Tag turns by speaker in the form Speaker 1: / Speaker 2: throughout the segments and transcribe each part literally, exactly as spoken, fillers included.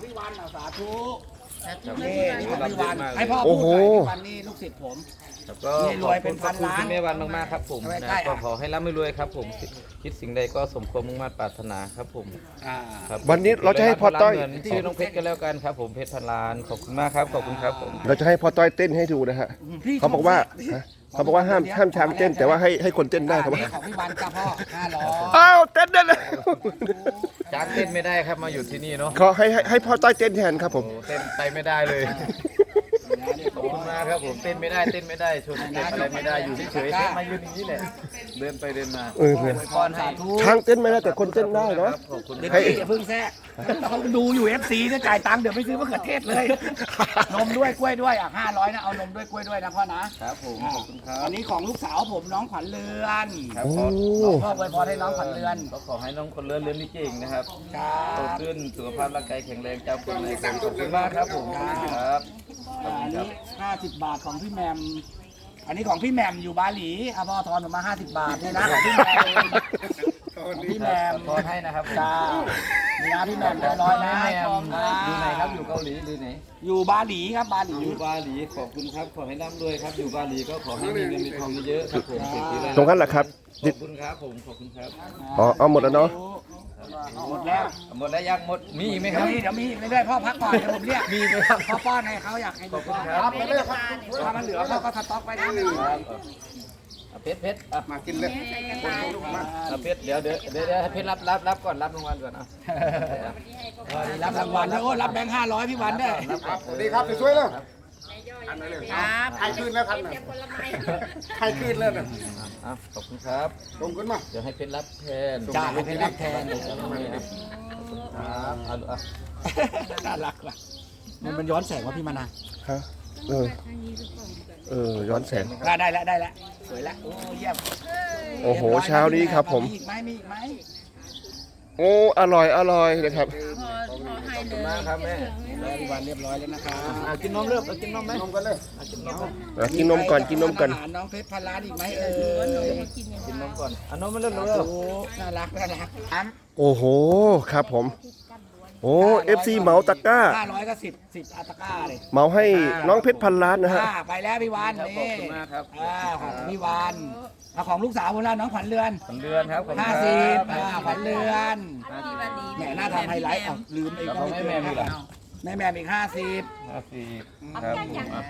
Speaker 1: พี่วันสาธุนี่นี่ของพี่วันให้พ่อ
Speaker 2: โอ้
Speaker 1: พู
Speaker 2: โห
Speaker 1: ดหน่อยพี่วันนี่ลูกศิษย์ผม
Speaker 3: แล้วก็
Speaker 1: นี่รวยเป็นพันล้าน
Speaker 3: ขอบคุณพี่แม่วันมากๆครับผม
Speaker 1: เอาไว้
Speaker 3: นะ
Speaker 1: ใกล้
Speaker 3: ก็
Speaker 1: อ่ะ
Speaker 3: ขอให้ร่ำให้รวยครับผมคิดสิ่งใดก็สมความมุ่งมั่นปรารถนาครับผม
Speaker 1: อ่า
Speaker 3: ครับ
Speaker 2: วันนี้เราจะให้พ่อต้อย
Speaker 3: เหมืนชื่อน้องเพชรกันแล้วกันครับผมเพชรพันล้านขอบคุณมากครับขอบคุณครับผม
Speaker 2: เราจะให้พ่อต้อยเต้นให้ดูนะฮะ
Speaker 1: พี่
Speaker 2: เขาบอกว่าฮะเขาบอกว่าห้ามห้ามช้างเต้นแต่ว่าให้ให้คนเต้นได้ครับ
Speaker 1: อันนี้ของพี่วันจ้าพ่อห้าร้อย
Speaker 2: อ้าวเต้นได้เลย
Speaker 3: จ้างเต้นไม่ได้ครับมาอยู่ที่นี่เนาะ
Speaker 2: ขอให้ให้ให้พ่อต้อยเต้นแทนครับผม
Speaker 3: โอ้เต้นไปไม่ได้เลยขอบคุณมากครับผมเต้นไม่ได้เต้นไม่ได้ชมเต้นอะไรไม่ได้อยู่เฉยๆแค่มายืนอย่างนี้แหละเดินไปเดินมา
Speaker 2: เออเพื่อน
Speaker 1: พรสาธุ
Speaker 2: ช้างเต้นไม่ได้แต่คนเต้นได้เนาะ
Speaker 3: ขอบคุณ
Speaker 1: เด็ก
Speaker 3: ครับ
Speaker 1: พี่อย่าเพิ่งแทรกเขาดูอยู่ เอฟ ซีเนี่ยจ่ายตังค์เดี๋ยวไปซื้อมะเขือเทศเลย นมด้วยกล้วยด้วยอ่ะห้าร้อยนะเอานมด้วยกล้วยด้วยนะพ่อนะครับ
Speaker 3: ผมขอบคุณครับ
Speaker 1: อันนี้ของลูกสาวผมน้องขวัญเรือน
Speaker 3: ครับ
Speaker 2: โอ้
Speaker 3: ขอ
Speaker 1: พ่ออวยพรให้น้องขวัญเรือน
Speaker 3: ก็ขอให้น้องคนเลื่อนเลื่อนนี่เก่งนะครับ
Speaker 1: ครั
Speaker 3: โต
Speaker 1: บ
Speaker 3: ขึ้นสุขภาพร่างกายแข็งแรงเจ้าคนในคนขอบคุณมากครับผมครับขอบ
Speaker 1: อั
Speaker 3: คุ
Speaker 1: น
Speaker 3: ณครั
Speaker 1: นี้
Speaker 3: บ
Speaker 1: ห้าสิบบาทของพี่แหมมอันนี้ของพี่แหมมอยู่บาหลีอ่ะพ่อทอนผมมาห้าสิบบาทนี่นะของพี่แหมมของพี่แหมม
Speaker 3: ขอให้นะครับ
Speaker 1: จ้านี่นะพี่แหมมได้ร้อยนะ
Speaker 3: แม่
Speaker 1: ทองครับ
Speaker 3: อยู่ไหนครับอยู่เกาหลีหรือไหน
Speaker 1: อยู่บาหลีครับบาหลี
Speaker 3: อยู่บาหลีขอบคุณครับขอให้ร่ำรวยครับอยู่บาหลีก็ขอให้มีเงินมีทองเยอะๆครับผมเศรษฐีเลย
Speaker 2: ตรงนั้นแหละครับ
Speaker 3: ขอบคุณครับผมขอบคุณครับ
Speaker 2: อ๋อเอาหมดแล้วเนาะ
Speaker 1: หมดแล้ว
Speaker 3: หมดแล้วยังหมดมีอีกไหมค
Speaker 1: เดี๋ย
Speaker 3: รั
Speaker 1: ว
Speaker 3: บ
Speaker 1: มีเดี๋ยวมีเรื่อยๆพ่อพักก่อนเดี๋ยวผมเรียก
Speaker 3: มีไหมครับ
Speaker 1: พ่อป้อนให้เขาอยากให้
Speaker 3: ขอบคุณ
Speaker 1: ค
Speaker 3: ครั
Speaker 1: รับบ ไปเรื่อยครับถ้ามันเหลือพ่อก็สต็อกไว้นะ
Speaker 3: เอาเพชรเพชรอ่ะมากินเลยเอาเพชรเดี๋ยวเดี๋ยวเดี๋ยวเดี๋ยวให้เพชรรับรับรับก่อนรับรางวัลก่อนเอา
Speaker 1: รับรางวัลแล้วโอ้รับแบงค์ห้าร้อยพี่วันด้วย
Speaker 3: ครับสวัส
Speaker 4: ดี
Speaker 3: ดี
Speaker 4: ครับสวยๆเลย
Speaker 5: ครับ
Speaker 4: ใครขึ้นแล้วครับน่ะใครขึ้นแล้วน่ะ
Speaker 3: อ่ะขอบคุณครับ
Speaker 4: ลงขึ้นมา
Speaker 3: เดี๋ยวให้เพชรรับแทน
Speaker 1: จ้าให้เพชรรับแทน
Speaker 3: ครับเอาเอา
Speaker 1: น่ารักว่ะมันมันย้อนแสงว่าพี่มานา
Speaker 2: ฮะเออเออย้อนแสง
Speaker 1: ได้ได้แล้วได้แล้วสวยแล้วโอ้เยี่ยม
Speaker 2: โอ้โหเช้านี้ครับผม
Speaker 1: มีอีกไหมมีอีกไหม
Speaker 2: โอ้อร่อยอร่อยนะครับ
Speaker 5: พอพอให้
Speaker 3: ขอบ
Speaker 5: เล
Speaker 3: คุณ
Speaker 5: ย
Speaker 3: มากครับแม่
Speaker 1: แล้วพี่วันเรียบร้อยแล้วนะครับ
Speaker 3: อ่ะกินนมเริ่มเอากินนมไหม
Speaker 4: ลงกันเลย
Speaker 3: อ่ะกินนม
Speaker 2: อ่ะกินนมก่อนกินนมก่อน
Speaker 1: อาหารน้องเพชรพันล้านอีกไหมเอ่ย
Speaker 3: กินนมก่อนเอานมมาเริ่ม
Speaker 1: โอ้
Speaker 3: เริ่ม
Speaker 1: โหน่ารักน่ารักอัน
Speaker 2: โอ้โหครับผม โอ้เอฟซีเหมาตะกร้า
Speaker 1: ห้าร้อยก็สิบสิบอัตราก้าเลย
Speaker 2: เหมาให้น้องเพชรพันล้านนะฮะ
Speaker 1: อ่าไปแล้วพี่วัน
Speaker 3: ครับขอบ
Speaker 1: นี่
Speaker 3: คุณมากครับ
Speaker 1: อ่าของพี่วันเอาของลูกสาวคนละน้องขวัญเรือน
Speaker 3: ขวัญเดือนครับขอบคุณ
Speaker 1: ห้า
Speaker 3: ค
Speaker 1: สิบ
Speaker 3: รับ
Speaker 1: อ่าขวัญเรือน
Speaker 5: พี่วันดี
Speaker 1: แหมน่าทำไฮไลท์อ่ะลืมอีก
Speaker 3: แล้วของแม่แม่มีเหรอ
Speaker 1: แม่แม่อีกห้าสิบ
Speaker 3: ห้าสิบครับผมอ่ะ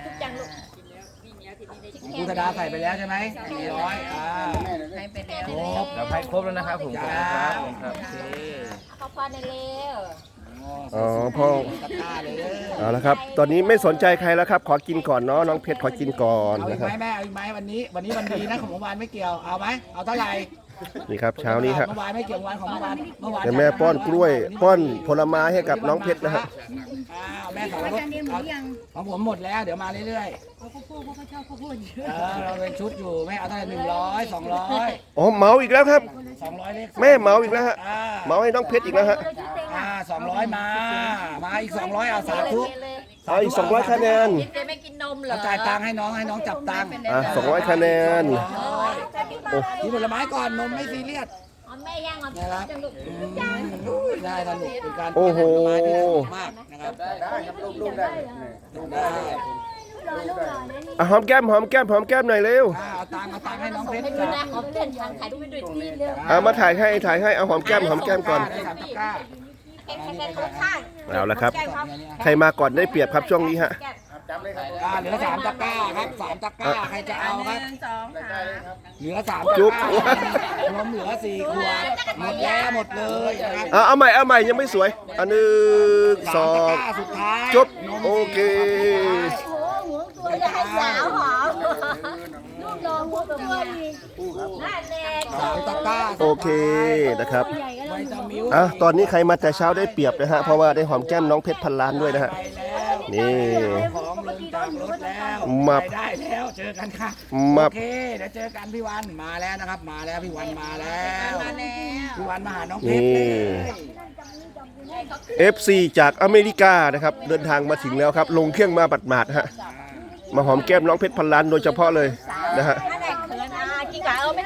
Speaker 1: คุณธดาใส่ไปแล้วใช่ไหมสี่ร้อยอ่า
Speaker 5: ให้ไปแล้ว
Speaker 1: ครบ
Speaker 3: เดี๋ยวให้ครบแล้วนะครับผมขอบ
Speaker 1: จ้า
Speaker 3: คุณครับผมครับ
Speaker 1: โอเค
Speaker 6: เขาพอในเร็ว
Speaker 2: อ๋อพ่อ
Speaker 1: ตะกร้าเลย
Speaker 2: เอาละครับ ตอนนี้ไม่สนใจใครแล้วครับ ขอกินก่อนเนาะน้องเพชรขอกินก่อน
Speaker 1: เอาอี
Speaker 2: นะ
Speaker 1: ก
Speaker 2: ค
Speaker 1: ไห
Speaker 2: รับ
Speaker 1: มแม่เอาอีกไหมวันนี้ วันนี้วันดีนะของเมื่อวานไม่เกี่ยวเอาไหมเอาเท่าไหร่
Speaker 2: นี่ครับเช้านี้ฮะ
Speaker 1: เมื่อวานไม่เกี่ยววันของเมื่อวานเมื่อวาน
Speaker 2: แต่แม่ป้อนกล้วย ป้อนผลไม้ให้กับน้องเพชรนะฮะ
Speaker 1: อ้าวแม่สอนรถของผมหมดแล้วเดี๋ยวมาเรื่อย
Speaker 5: เขาข้าวโพดเขาชอบข้าวโพดเยอะ
Speaker 1: ๆเออเราเป็นชุดอยู่แม่เอาเท่าไหร่หนึ่งร้อยสองร้อย
Speaker 2: อ๋อเหมาอีกแล้วครับ
Speaker 1: สองร้อยเลข
Speaker 2: แม่เหมาอีกแล้วฮะ
Speaker 1: อ่า
Speaker 2: เหมาให้น้องเพชรอีกแล้วฮะ
Speaker 1: อ่าสองร้อยมา มาอีกสองร้อยเอาสาธุ
Speaker 2: เอาอีกสองร้อยคะแนน
Speaker 6: กินเจไม่กินนมเหรอ
Speaker 1: เอาจ่ายตังค์ให้น้องให้น้องจับตังค์
Speaker 2: อ่ะสองร้อยคะแนน
Speaker 1: กินผลไม้ก่อนนมไม่ซีเรียส
Speaker 6: อ๋อแม่ย่างเอา
Speaker 1: นะครับ
Speaker 6: จังลูก
Speaker 1: อืมได้สนุกเป็นการ
Speaker 2: โอ้โห
Speaker 1: ผลไม้ที่สนุกมากนะครับ
Speaker 4: ได้ครับลูกลูกได้ลูกได้
Speaker 1: ได้
Speaker 2: อ่ะหอมแก้มหอมแก้มหอมแก้มหน่อยเร็ว
Speaker 1: อ่าเอาตังค์เอาตังค์ให้น้องเพชร
Speaker 6: ให้ดูนะขอเพื่อนทางถ่ายรูปไปด้วยที่เร็ว
Speaker 2: เอามาถ่ายให้ถ่ายให้เอาหอมแก้มหอมแก้มก่อน
Speaker 1: ได้สามตะกร้า
Speaker 6: แข่งแข่งคนข้าง
Speaker 2: เอาละครับ ใครมาก่อนได้เปรียบครับช่วงนี้ฮะ
Speaker 4: จับเลยครับ
Speaker 1: อ่าเหลือสามตะกร้าครับสามตะกร้าใครจะเอาครับ
Speaker 5: หนึ่งสองสาม
Speaker 1: เหลือสาม
Speaker 2: จุ๊
Speaker 1: ตะ
Speaker 2: บ
Speaker 1: กร้านมเหลือสี่ขวดหมดแล้วหมดเลยนะครับ
Speaker 2: เอาเอาใหม่เอาใหม่ยังไม่สวยอันหนึ่งส
Speaker 1: สา
Speaker 2: อ
Speaker 1: มตะ
Speaker 2: ง
Speaker 1: กร้าสุดท้าย
Speaker 2: จุ๊บ
Speaker 1: นม
Speaker 2: โอเค
Speaker 6: โอ้โหหัวตัวจะให้สาวหอมลูกรองหัวตัวดีน่าแน่
Speaker 1: สามตะกร้า
Speaker 2: โอเคนะครับ
Speaker 1: ไวตามิล
Speaker 2: อ่ะตอนนี้ใครมาแต่เช้าได้เปรียบนะฮะเพราะว่าได้หอมแก้มน้องเพชรพันล้านด้วยนะฮะ
Speaker 1: ไปแล้ว
Speaker 2: นี่
Speaker 1: ของลงจากรถแล้ว
Speaker 2: มับ
Speaker 1: ไปได้แล้วเจอกันค่ะ
Speaker 2: มับ
Speaker 1: โอเคเดี๋ยวเจอกันพี่วันมาแล้วนะครับ มาแล้วพี่วันมาแล้ว
Speaker 5: มาแล้ว
Speaker 1: พี่วันมาหาน้องเพชรเลย
Speaker 2: เอฟซี จากอเมริกานะครับเดินทางมาถึงแล้วครับ ลงเครื่องมาบัดหมาดๆฮะมาหอมแก้มน้องเพชรพันล้านโดยเฉพาะเลยนะฮะ
Speaker 6: ถ้าไหนเขินอ่ะกินกับเอาไม่สอนเลย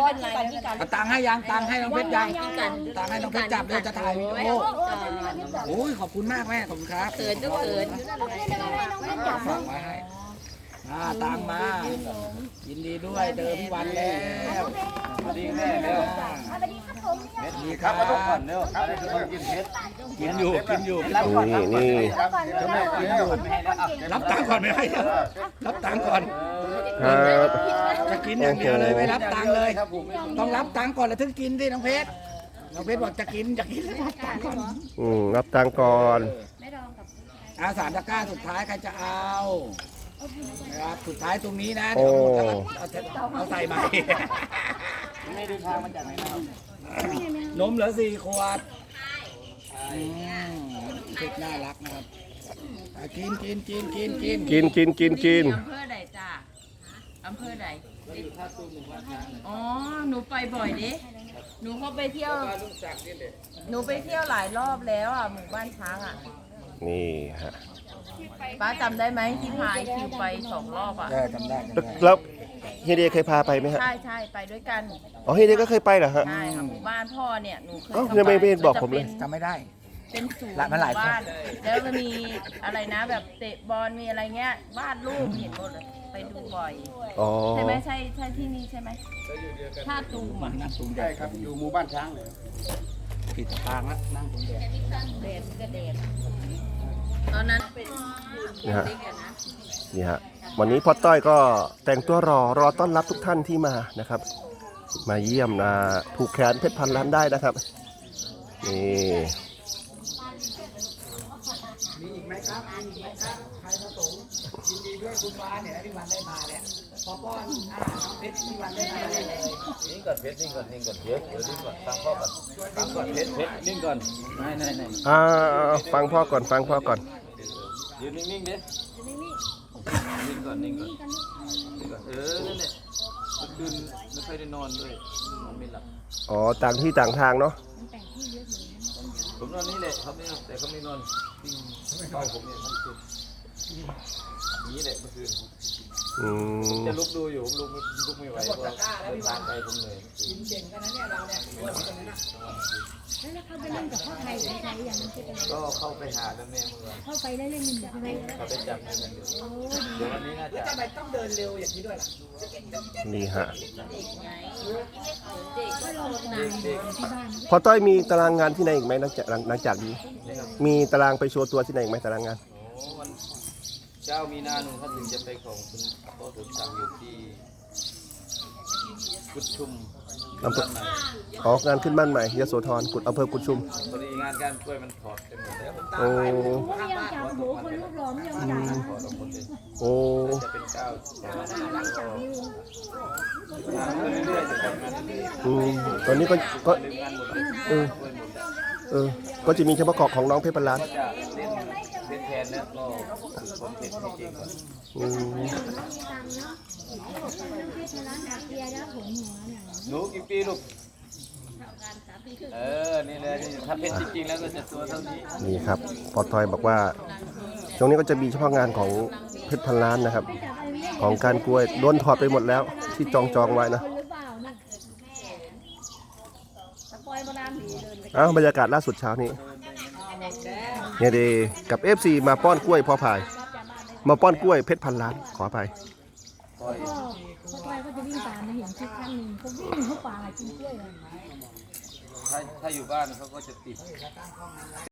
Speaker 6: อนที่กันที่กัน
Speaker 1: เอาตังค์ให้ยังตังค์ให้น้องเพชรยังตังค์ให้น้องเพชรจับเลยจะถ่ายวิดีโอโอ้ยขอบคุณมากแม่ขอบคุณครับ
Speaker 5: เขินก็เขิน
Speaker 1: ฝากไว้ให้อ่าตังค์มายินดีด้วยเจอพี่วันแล้ว
Speaker 3: สวัสดีแม่เร็ว
Speaker 6: สวัสดีครับผม
Speaker 3: เม็ดดีครับมาทุกคนเร็วอะไรคือคนกินเม็ด
Speaker 1: กินอยู่กินอยู่
Speaker 2: นี่นี่
Speaker 6: ก่อนเลย
Speaker 1: กินอยู่รับตังค์ก่อนไม่ให้รับตังค์ก่อน
Speaker 2: ครับ
Speaker 1: จะกินอย่างเดียวเลยไม่รับตังค์เลย ต้องรับตังค์ก่อนแล้วถึงกินสิน้องเพชรน้องเพชรบอกจะกินจะกินรับตังค์ก่อน
Speaker 2: อืมรับตังค์ก่อน
Speaker 1: อาสามตะกร้าสุดท้ายใครจะเอานะครับสุดท้ายตรงนี้นะ
Speaker 2: โอ้
Speaker 1: เดี๋ยวเอาหมดแล้วเอาเอาใส่ใหม่ไม่ได้ทางมาจากไหนนมเหลือสี่ขวดอืมเพชรน่ารักนะครับอ่ะกินกินกินกินกิน
Speaker 2: กินกินกินกิน
Speaker 5: อำเภอใดจ้าอำเภอใดอ๋อหนูไปบ่อยดิหนูเข้าไปเที่ยวหนูไปเที่ยวหลายรอบแล้วอ่ะหมู่บ้านช้างอ่ะ
Speaker 2: นี่ฮะ
Speaker 5: ป้าจำได้ไหมที่พายคิวไปสองรอบอ่ะ
Speaker 1: ได้จำได้จำได้
Speaker 2: แล้วเฮเดเคยพาไปไหมฮะ
Speaker 5: ใช่ใช่ไปด้วยกัน
Speaker 2: อ๋อเฮเดก็เคยไปเหรอฮะ
Speaker 5: ใช่ค่ะหมู่บ้านพ่อเนี่ยหนูเคย
Speaker 2: เอ้า
Speaker 5: ข้า
Speaker 2: ยังไม่
Speaker 5: ป
Speaker 2: ไม่เห็นบอกผมเลย
Speaker 1: จำไม่ได้
Speaker 5: เป็นศูนย์
Speaker 1: ละมันหลาย
Speaker 5: มู่บ้าน แล้วมันมีอะไรนะแบบเตะบอลมีอะไรเงี้ยวาดรูปเห็นหมดเลยไปดูบ่อย
Speaker 2: อ๋อ
Speaker 5: ใช่ไหมใช่ใช่ที่นี่ใช่ไหมท่าตูม
Speaker 1: มั
Speaker 5: อ่ะ
Speaker 1: นนั่งตรงแด
Speaker 4: ใช่
Speaker 1: ด
Speaker 4: ครับอยู่หมู่บ้านช้างเลย
Speaker 1: ผิดทางแล้วนั่งตรงแดด
Speaker 5: เดดก็เดดตอนนั้นเป็น
Speaker 2: นี่ฮะ
Speaker 5: เด็กอะนะ
Speaker 2: นี่ฮะวันนี้พ่อต้อยก็แต่งตัวรอรอต้อนรับทุกท่านที่มานะครับ มาเยี่ยมนะผูกแขนเพชรพันล้านได้นะครับนี่
Speaker 1: มีอีกไหมครับมีอีกไหมครับใครประสงค์ยินดีด้วยคุณวานเนี่ยนะพี่วันได้มาเนี่ยพอป้อนอ่าน้องเพชรพี่วันได้มาเลย
Speaker 3: นิ่งก่อนเพชรนิ่งก่อนนิ่งก่อนเดี๋ยวเดี๋ยวนิ่งก่อนฟังพ่อก่อนฟังก่อนเพชรเพชรนิ่งก่อนไม่ไม่ไม่
Speaker 2: อ่าฟังพ่อก่อนฟังพ่อก่อน
Speaker 3: ยืนนิ่งๆดินิ่งก่อนนิ่งก่อนนิ่งก่อนเออนั่นแหละเมื่อคืนไม่ค่อยได้นอนด้วยนอนไม่หลับ
Speaker 2: อ๋อต่างที่ต่างทางเนาะ
Speaker 3: ผมนอนนี่แหละเขาไม่นอนแต่เขาไม่นอนปิ้งเฝ้าผมเนี่ยทั้งคืนนี้แหละเมื่อคืน
Speaker 2: อืม
Speaker 3: จะลุกดูอยู่ผมลุกไม่ลุกไม่ไหวเพราะเดินทางไปผมเหนื่อย
Speaker 1: กินเก่งกันนะเนี่ยเราเนี่ย
Speaker 6: แล้วเขาไปเล่นกับพ่อไทยใครอย่างนั้นใช่ไหม
Speaker 3: ก็เข้าไปหาแล้วแม่เมื่อวาน
Speaker 6: เข้าไปแล้วเล่นมันใช่ไหม
Speaker 3: เขาไปจับมือกันอยู่เดี๋ยววันนี้น่าจะ
Speaker 1: ทำไมต้องเดินเร็วอย่างนี้ด้วยล่ะ
Speaker 2: นี่ฮะ
Speaker 6: ก็ลองนานที่บ้าน
Speaker 2: พ่อต้อยมีตารางงานที่ไหนอีกไหมหลังจากหลังหลังจากนี้ มีตารางไปโชว์ตัวที่ไหนอีกไหมตารางงาน
Speaker 3: โอ้วันเจ้ามีนาหนึ่งถ้าถึงจะไปของคุณพ่อสมศักดิ์อยู่ที่กุดชุม
Speaker 2: อำเภอ ออกงานขึ้นบ้านใหม่ยโสธรกุดอำเภอกุดชุม
Speaker 3: พอดีงานการกล้วยมันถอดไปหมดแล้ว
Speaker 2: โอ้
Speaker 6: โอ้ยยังจับโหคนรูปหล่อไม่ยอมจับ
Speaker 3: ถอดออกหมดเลย
Speaker 2: โอ้
Speaker 3: จะเป็นเก้าถอดงานเรื่อยๆจะทำงานเรื่อย
Speaker 2: อืมตอนนี้ก็ก็
Speaker 3: ๆลืมงานหมดเลย
Speaker 2: เออ
Speaker 3: กล้วยหมดแล้ว
Speaker 2: เออก็จะมีเฉพาะของของน้องเพชรพันล้าน
Speaker 3: ก็จะเล่นเป็นแทนแล้วก็ฝึกความเผ็ดให้เก่งก่อน
Speaker 2: อืม
Speaker 6: ร้านอาเซียแล้วผมหัวเนี่ย
Speaker 3: หนูกี่ปีลูกเออนี่เลยนี่ถ้าเป็นจริงๆแล้วก็จะตัวเท่านี้
Speaker 2: นี่ครับพอทอยบอกว่าตรงนี้ก็จะมีเฉพาะงานของเพชรพันล้านนะครับ ของการกล้วยโดนถอดไปหมดแล้วที่จองจองไว้นะ
Speaker 6: คนหรือเปล่านะตะปอยโบราณผีเดินไป
Speaker 2: อ้าวบรรยากาศล่าสุดเช้านี้เนี่ยดีกับ เอฟ ซี มาป้อนกล้วยพอพาย มาป้อนกล้วยเพชรพันล้านขออภัย
Speaker 6: ก็ตะปอยก็จะวิ่งตามมาเห็นคลิปครั้งหนึ่งเขาวิ่งเข้าป่ากินกล้วยเลย
Speaker 3: ถ้าถ้าอยู่บ้านเขาก็จะติด